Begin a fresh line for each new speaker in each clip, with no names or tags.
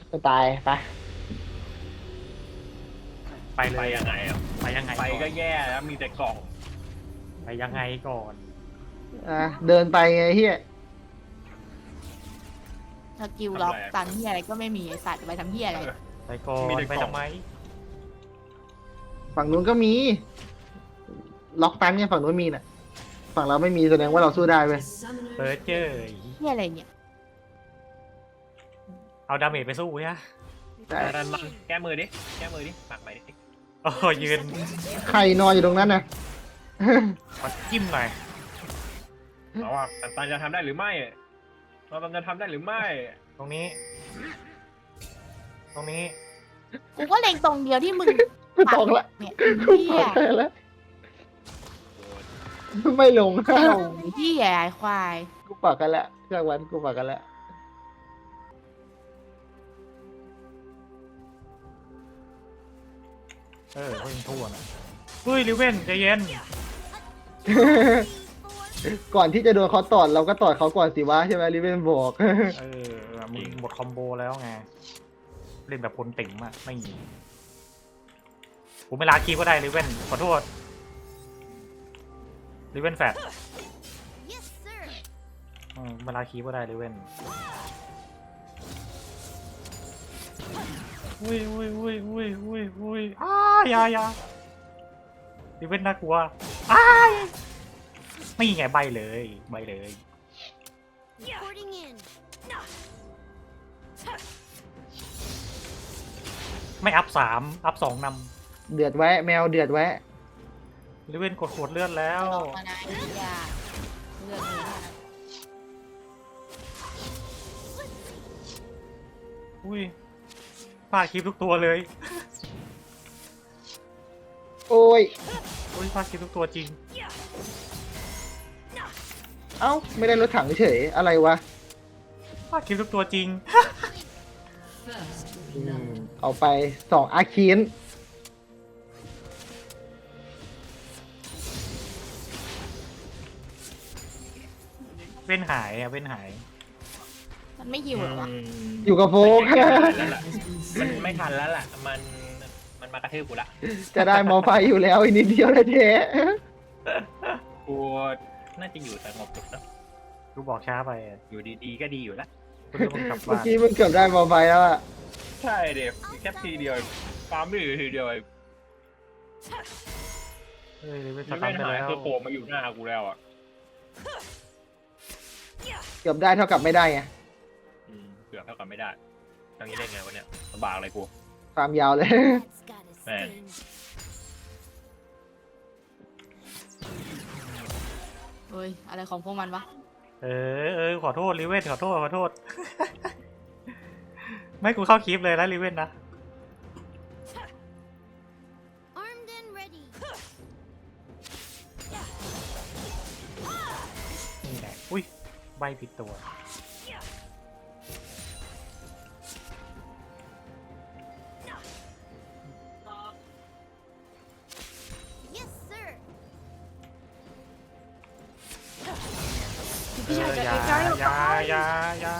จะตายไป
ไปเล
ไป
ย
ยังไงอ่ะ
ไปยังไง
ไป
ก่อน
ก็แย่แล้วมีแต่กล่อง
ไปยังไงก่อน
เดินไปไงเฮีย
สกิลล็อกตันเฮียอะไรก็ไม่มีไอสัตว์ไปทำเฮียอะไร
ไปก่อนไปทำไม
ฝั่งนู้นก็มี ล็อกตันเนี่ยฝั่งนู้นมีน่ะ ฝั่งเราไม่มีแสดงว่าเราสู้ได้เว้ย
เปิดเจอ
เฮียอะไรเนี่ย
เอาดาเมจไปสู้เนี่ย
ได้
ดันมันแก้มือดิแก้มือดิปักไปดิ
โอ้ยืน
ใครนอนอยู่ตรงนั้นนะ
มาจิ้มหน่อย
เอาว่าตันจะทำได้หรือไม่เราตันจะทำได้หรือไม่
ตรงนี้ ตรงนี้
กูก็เล็งตรงเดียวที่มึง
ไม่ต้องละ
เนี่ย
กู
เฮี
ปั
ย
กไปแล้วไม่ลง
โอ้ยเฮียไอ้ควาย
กูปักกันแล้วเครื่องวันกูปักกันแล้ว
ก็ยังทั่วนะเฮ้ยลิเว่นใจเย็น
ก่อนที่จะโดนเขาตอดเราก็ตอดเขาก่อนสิวะใช่ไหมลิเวนบอก
มึงหมดคอมโบแล้วไง เล่นแบบคนติ่มอะไม่มีผมไม่ลาคีก็ได้ลิเว่นขอโทษลิเว่นแฟดเวลาคีก็ได้ลิเว่นอุ้ยอย่าลิเว่นน่ากลัวไม่ไงใบเลย ไม่อัพ3อัพ2น
เดือดแวะแมวเดือดแวะ
ำลิเว่นกดขวดเลือดแล้ว
ออกมานะไอ้เฮียเลือกเลยนะ
อุ้ยพลาดคลิปทุกตัวเลย
โอ้ย
อุ้ยพลาดคลิปทุกตัวจริง
เอ้าไม่ได้รถถังเฉยอะไรวะ
พลาดคลิปทุกตัวจริง
เอาไป2อาคีน
เว้นหายเว้นหาย
มันไม่หิวเหรอวะ
อยู่กับโฟก
มันไม่ทันแล้วล่ะมันมากระทืบกูละ
จะได้มอไฟอยู่แล้วอีกนิดเดียวเลยเท
กูน่าจะอยู่สงบสุขแล้ว
กูบอกช้าไป
อยู่ดีๆก็ดีอยู่แล้ว
กูจะมึงกลับ
เมื่อ
บ้าน
กี้มึงเกือบได้มอไฟแล้วอะ
ใช่เด็กแค่ทีเดียวฟาร์มไม่อยู่ทีเดียว
เฮ้ยลิเว่นส
ไม่
ตันไป
หาย
แล้ว
คือโผล่มาอยู่หน้ากูแล้วอ่ะ
เกือบได้เท่ากับไม่ได้ไง
เกือบเท่ากับไม่ได้ตรงนี้ได้ไงวะเนี่ยลำบากเลยกู
ความยาวเลย
แม่ง
เฮ้ยอะไรของพวกมันวะ
ขอโทษลิเว่นขอโทษ ไม่กูเข้าคลิปเลยนะลิเว่นนะ
Armed and ready.
นี่แหละอุ้ยใบผิดตัว
Yes, sir.
อย่า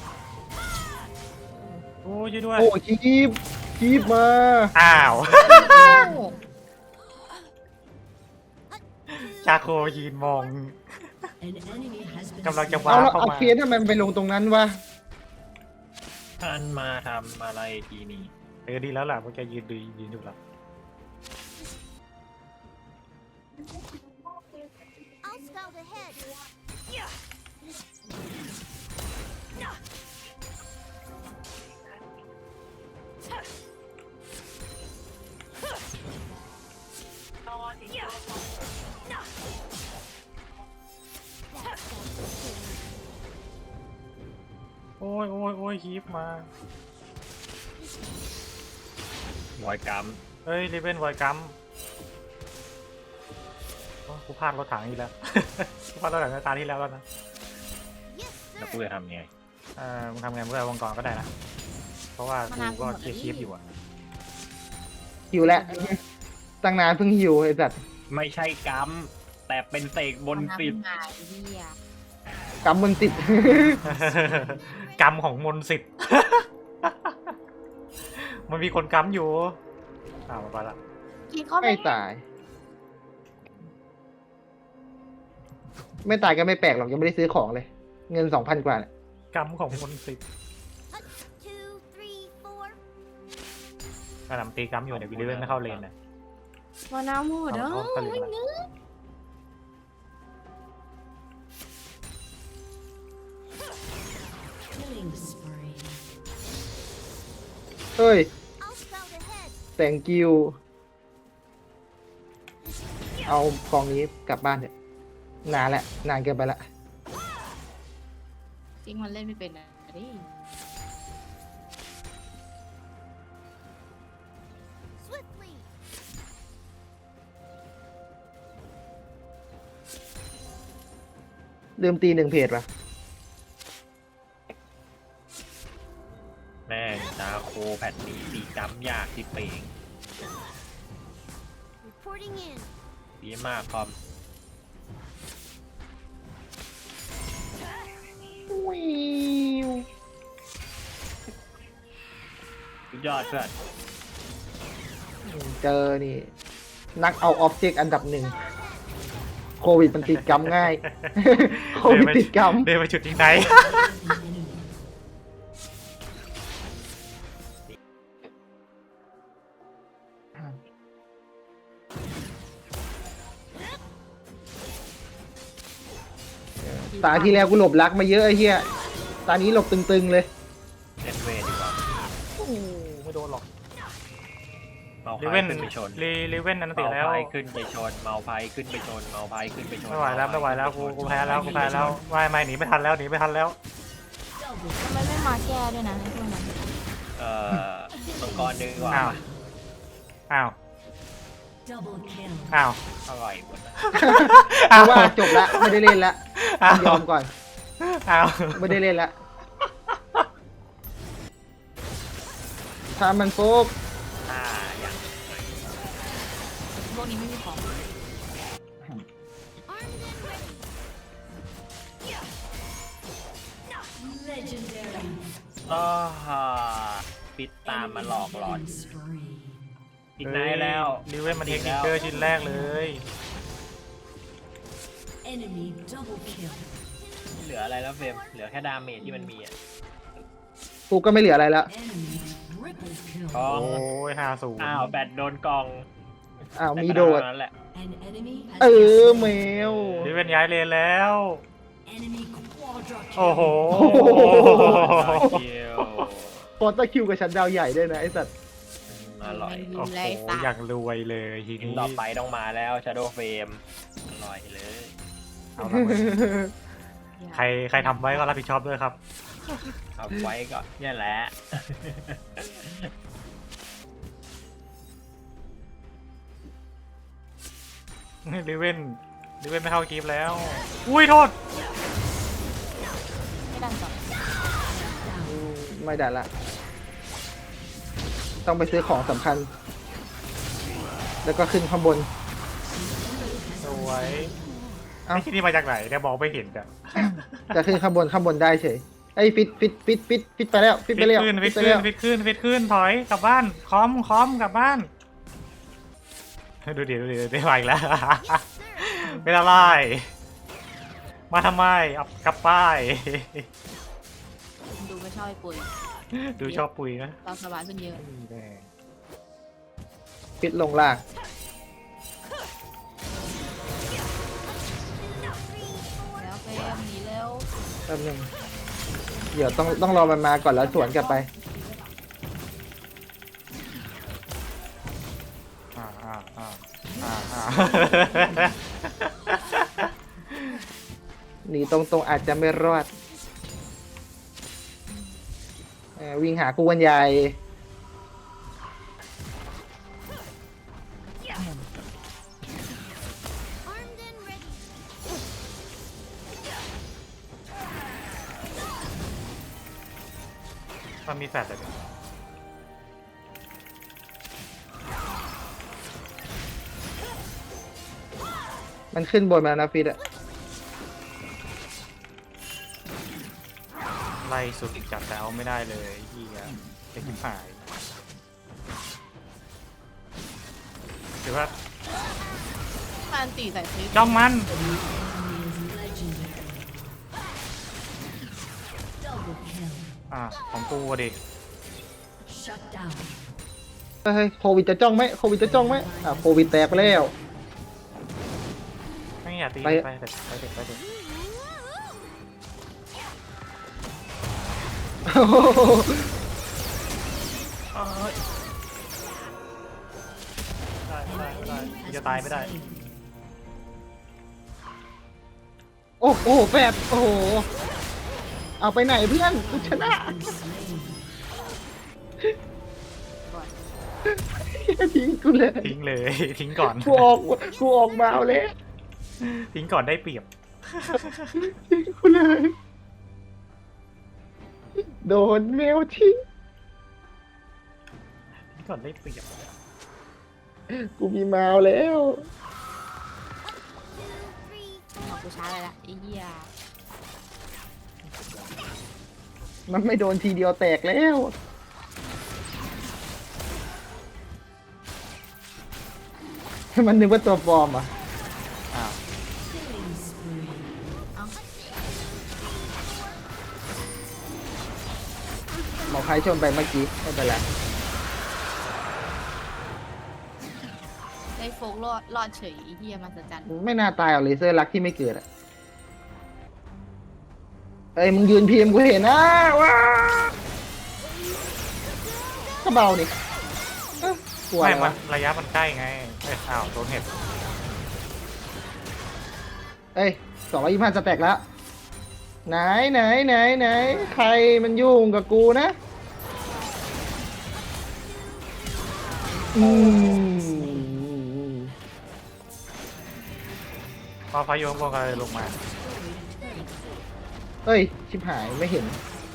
โอ้ยช่วยด้วย
โอ้คีบมา
อ้าว ชาโคยืนมองกำลังจะว้า
เอาแล้ว
เข้า
เอา
มา
เคสทำไมมันไปลงตรงนั้นวะ
ท่านมาทำอะไรทีนี้
ดีแล้วล่ะมันจะยืนอยู่แล้ว
I'll scout ahead.
โอ้ยฮีฟมา
วอยกรรม
เฮ้ยลิเวนไวกัมกูพลาดรถถังอีกแล้ว กูพลาดรถถังในตาที่แล้วนะ
Yes,
แล้ว
sir.
กูจะทำไง
มึงทำไงมึงเอาวงกรก็ได้นะ เพราะว่ากูก็เคลียร์คลิปอยู่อะ
หิวแล้วตั้งนานเพิ่งหิวไอ้สัตว์
ไม่ใช่กรรมแต่เป็นเสกบนติด
หายเฮีย
กำมันติด
กรรมของมนต์สิทธิ์มันมีคนค้ำอยู่มาไปละ
กินเข้าไป
ไม่ตาย ไม่ตายก็ไม่แปลกหรอกยังไม่ได้ซื้อของเลย เงิน 2,000 กว่าเนี่ย
ค้ำของคนสิบ
2, 3, 4.
กระหน่ำตีค้ำอยู่เนี่ยวิลเลียนไม่เข้าเลนเนี่ย
มาน้ำหมดเด้อ
เอาเข้าไปเลยนะ
เฮ้ย
I'll scout ahead.
thank you เอากองนี้กลับบ้านเถอะนานแล้วนานเกินไปละ
จริงมันเล่นไม่เป็นนะดิ
Swiftly.
ลืมตี1 เพจป่ะ
แม่งดาโคแผ่นนี้ตีจำยากที่เป่ง
Reporting in.
ดีมากคอม
วิว
สุดยอดเพื่อน
เจอนี่ นักเอาออบเจกต์อันดับ 1 โควิดมันติดกรรมง่าย โควิดติดกรรม
เดินไปจุดที่ไหน
ตาที่แล้วกูหลบรักมาเยอะไอ้เหี้ย ตานี้หลบตึงๆเลย
เล่นเวทดีกว่า
โอ้โหไม่โดนหรอก
เมา
ลิ
ไพ
เว่น
ขึ้นไปชน
ลิเว่นอันติ
เมา
แล้ว
ไพขึ้นไปชนเมาไพขึ้นไปชนเมาไพขึ้นไปชน
ไม่ไหวแล้วไม่ไหวแล้วกูแพ้แล้วกูแพ้แล้วไม่หนีไม่ทันแล้วหนีไม่ทันแล้ว
ทำไมไม่มาแก้ด้วยนะในช่วงนั้น
มังกรดึงกว่า
อ้าวอ้าว
Double kill.
อ้าว
อร่อยหมดนะ
กูว่าจบละไม่ได้เล่นละ
อ้าวย
อมก่อน
อ้าว
ไม่ได้เล่นละถ้ามันโฟก
อย่าง
พวกนี้ไม่มีของ
Armed and ready.
Legendary.
ปิดตามมาหลอกหลอน
Killing spree.
อีกไหนแล้ว
ลิเว่นมันเทคนิคเกอร์ชิ้นแรกเลย
Enemy double kill.
เหลืออะไรแล้วเฟรมเหลือแค่ดาเมจที่มันมีอ่ะ
กูก็ไม่เหลืออะไรแล้ว
Enemy triple kill.
กอง
โอ้ย50
อ้าวแบตโดนกอง
อ้าวมีโดด
แต่ก็เท่านั้นแหละ
An enemy has
เออ
been
แมว
ลิเว่นย้ายเลนแล้ว
slain. Enemy quadra kill.
โอ้โห
เดียว
โคตรคิวกับฉันดาวใหญ่ด้วยนะไอ้สัตว์
อร่อย
โอ้โหอย่างรวยเลยที
ทีม
นี้
ต่อไปต้องมาแล้ว Shadow Frame อร่อยเลย
เอาละเว้ยใครทำไว้ก็รับผิดชอบด้วยครับ
เอาไว้ก่อนเนี่ยแหละ
ลิเว่นไม่เข้ากีฟแล้ว อุ้ยโทษ
ไม่ดันต่อ
ไม่ได้ละ ต้องไปซื้อของสำคัญ แล้วก็ขึ้นข้างบน
สวย
เอ้า
ไอ้ที่นี่มาจากไหนเนี่ยมองไม่เห็นอะ
จะขึ้นข้างบนได้เฉยไอ้ยฟิตไปแล้วฟิตไปแล้ว
ขึ้น
ฟิตไปแล้ว
ขึ้นถอยกลับบ้านคอมกลับบ้านดูดิมาอีกแล้ว
Yes, sir.
ไม่ละลายมาทำไมเอากลับป้าย
ดูไม่ชอบไอ้ปุ๋ย
ดูชอบปุ๋ยนะ
เราสบายขึ้นเยอะ
นี่แน่
ฟิตลงล่าง
แล้วเฟรมหนีเร็ว
แป๊บนึงเดี๋ยวต้องรอมันมาก่อนแล้วสวนกลับไป หนีตรงอาจจะไม่รอดวิ่งหากูวันใหญ่
Armed and ready.
มันมีแฟลชเลย
มันขึ้นบนมาแล้วนะฟิตอะ
ไล่สุดจัดแต่เอาไม่ได้เลยเฮียเป็นหายหรือว่า
มันตีใส่ฟิก
จ้องมัน
Double kill.
ของกูอะดิ
Shut down.
เฮ้ยโควิดจะจ้องไหมโควิดจะจ้องไหมโควิดแตกไปแล้ว
ไม่อยากตี
ไป
ไปเถอะไปเถอะไปเถอะ
โอ้โห
ได้มึงจะตายไม่ได้
โอ้โหแปดโอ้โหเอาไปไหนเพื่อนกูชนะ ทิ้งกูเลย
ทิ้งเลย ทิ้งก่อน
กูออกมาเอาเลย
ทิ้งก่อนได้เปรียบ
ทิ้งกูเลย โดนแมวทิ้ง
ทิ้งก่อนได้เปรียบ
กูมีแมวแล้ว
เอากูช้าเลยละไอ้เหี้ย
มันไม่โดนทีเดียวแตกแล้ว มันนึกว่าตัวปลอมอ่ะ
อ้าว
Killing spree.
หมอใครชนไปเมื่อกี้ไม่เป็นไร
ได้โฟกรอดเฉยไอ้เหี้ยมันสจัน
ไม่น่าตายเอาเลเซอร์รักที่ไม่เกิดอ่ะเอ้ยมึงยืนพิมพ์กูเห็นนะว้าก็เบานี่เอ้ากลัว
ไม่
อะไร
มั
วะ
นระยะมันใกล้ไงอ้าวโดนเห็บ
เอ้ย225จะแตกแล้ว ไหนใครมันยุ่งกับกูนะอืม
พอพายุข้างบนก็เลยลงมา
เอ้ย ชิบหายไม่เห็น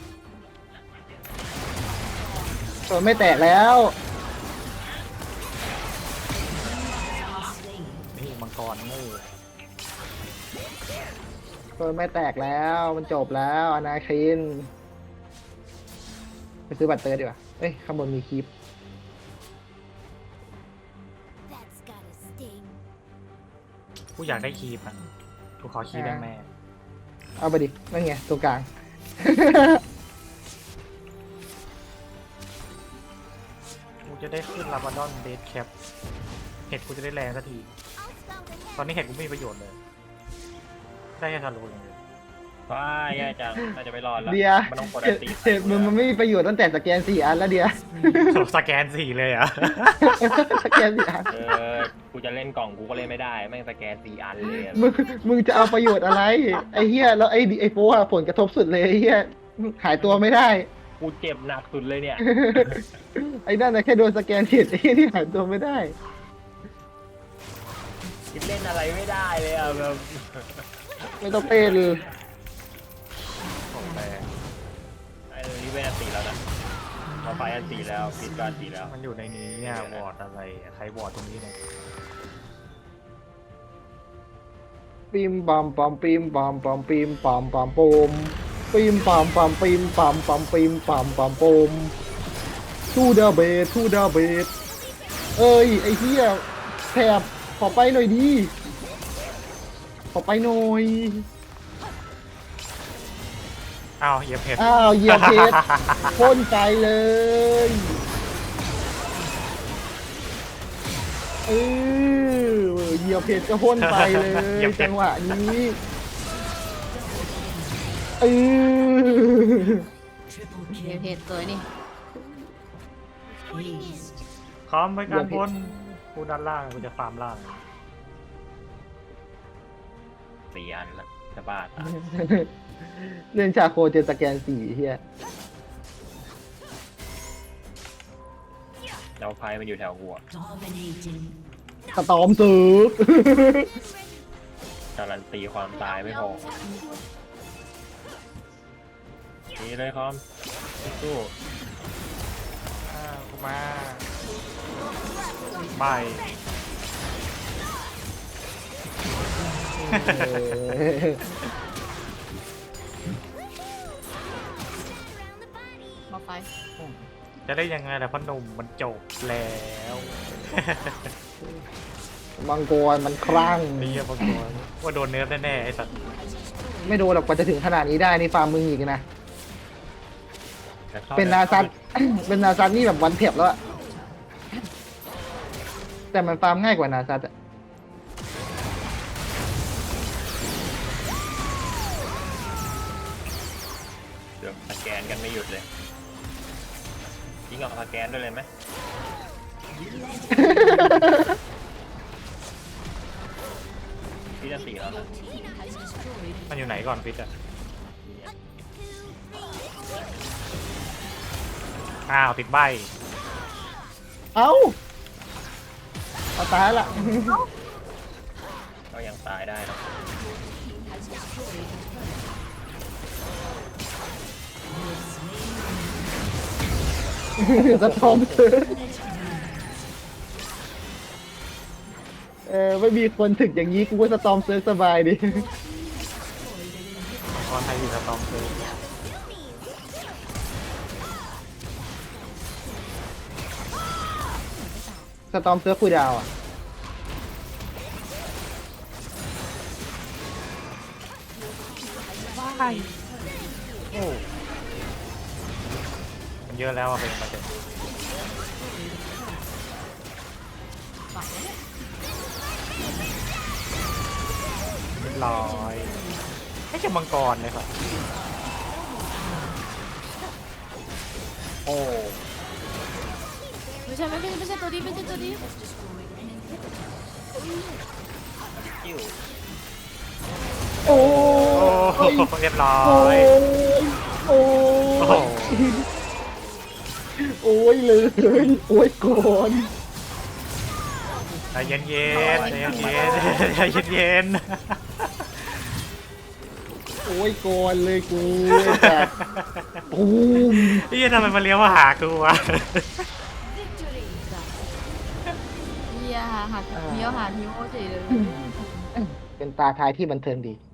ตัวไม่แตกแล้ว
นี่มังกรงู
ตัวไม่แตกแล้วมันจบแล้วอนาคินไปซื้อบัตรเตอร์ดีกว่าเอ้ยข้างบนมีคลิป
That's gotta sting.
กูอยากได้คีบอ่ะกูขอคีบได้แม่
เอาไปดินั่นไงตัวกลาง
กูจะได้ขึ้นลาบาดอนเดดแคปเห็ดกูจะได้แรงสักที
I'll spout ahead.
ตอนนี้เห็ดกูไม่มีประโยชน์เลย ได้แค่ทารุณอย่างเดียว
ว้าแย่จังน่าจะไม่รอดแล้ว
เดีย
มันต้องกด
เห็
อั
ด
นตี
เห็ดมันไม่มีประโยชน์ตั้งแต่สแกน4 อันแล้วเดีย
สแกนสี่เลยเหรอ่ะ
สแกน4 อัน
กูจะเล่นกล่องกูก็เล่นไม่ได้แม่งสแกน4 อันเลยอะ
มึงจะเอาประโยชน์อะไร ไอ้เหี้ยแล้วไอ้โป้อะผลกระทบสุดเลยไอ้เหี้ยหายตัวไม่ได้
กูเจ็บหนักสุดเลยเนี่ย
ไอ้นั่นนะแค่โดนสแกนเห็ดไอ้เหี้ยที่หายตัวไม่ได้
คิดเล่นอะไรไม่ได้เลยอ่ะแบบ
ไม่ต้องเต้นเลย
ของแรง
ไอ้นี่เป็นอันตีแล้วนะพอไฟอันตีแล้วพิดก็อันตีแล้ว
มันอยู่ในนี้เนี่ยวอร์ดอะไรอะใครวอร์ดตรงนี้เนี่ย
ปิมปอมปอมปิมปอมปอมปิมปอมปอมปมปิมปอมปอมปิมปอมปอมปิมปอมปอมปมทูดาเบสทูดาเบสเอ้ยไอ้เหี้ยแถบขอไปหน่อยดีขอไปหน่อย
อ้าวเหยียบเห็ด
อ้าวเหยียบเพชรพ่นใจเลยเออเหยียบเพชรก็พ่นไปเลยจังหวะนี้เออ
Triple
เดี๋ยว
kill.
เพจสวยนี่
Aced.
คอมไปการบนกูด้านล่างกูจะฟาร์มล่าง
4 อันละจะบ้าตาย
เล่นชาโคเจอสแกน4เฮีย
แล้วไฟมันอยู่แถวหัว
Dominating.
สตอมสืบ
การันตีความตายไม่พอนี่เลยคอมสู้
กูมาไม่
มาไฟ
จะได้ยังไงล่ะพ่อหนุ่มมันจบแล้ว
มังกรมันคลั่ง
ไอ้เหี้ยบางคนว่าโดนเนิร์ฟแน่ๆไอ้สัตว์
ไม่โดนหรอกกว่าจะถึงขนาดนี้ได้นี่ฟาร์มมึงอีกนะ
แต่เข้
เป็นนาซัต เป็นนาซัตนี่แบบวันเพียบแล้วอะแต่มันฟาร์มง่ายกว่านาซัตอะ
เดี๋ยวสแกนกันไม่หยุดเลยยิงออกสแกนด้วยเลยไหมพี่จะสี่แล้วนะ
มันอยู่ไหนก่อนฟิตอ่ะอ้าวติดใบ
เอ้าเอาตายละ
ก็ยังตายได้นะ
สะท้อนเธอไม่มีคนถึกอย่างนี้กูก็สตอมเซิร์ฟสบายดิ
ตอนไทยอยู่สตอมเลย
สตอมเซิร์ฟคุยดาวอ่ะ
โอ้มันเยอะแล้วอะเป็นมาเถอะเรียบร้อยไม่ใช่มังกรเลยครับโอ้
ไม่ใช่ตัวนี้ไม่ใช่ตัวนี้
กิ้ว
โอ้
โอ้
ย
เรียบร้อ
โอ้
ย
ยโอ้
โอ้โห
ยโอ้ยเลยโอ้ยก่อน
ใจเย็นๆใจเย็นๆใจเย็น
โอ้ยก่อนเลยกูแต่ปูม
ๆนี่ทำไมมาเลี้ยวมาหากูวะ
เฮียหักเมียวหาทิวเฉยเลย
เป็นตาทายที่บันเทิงดี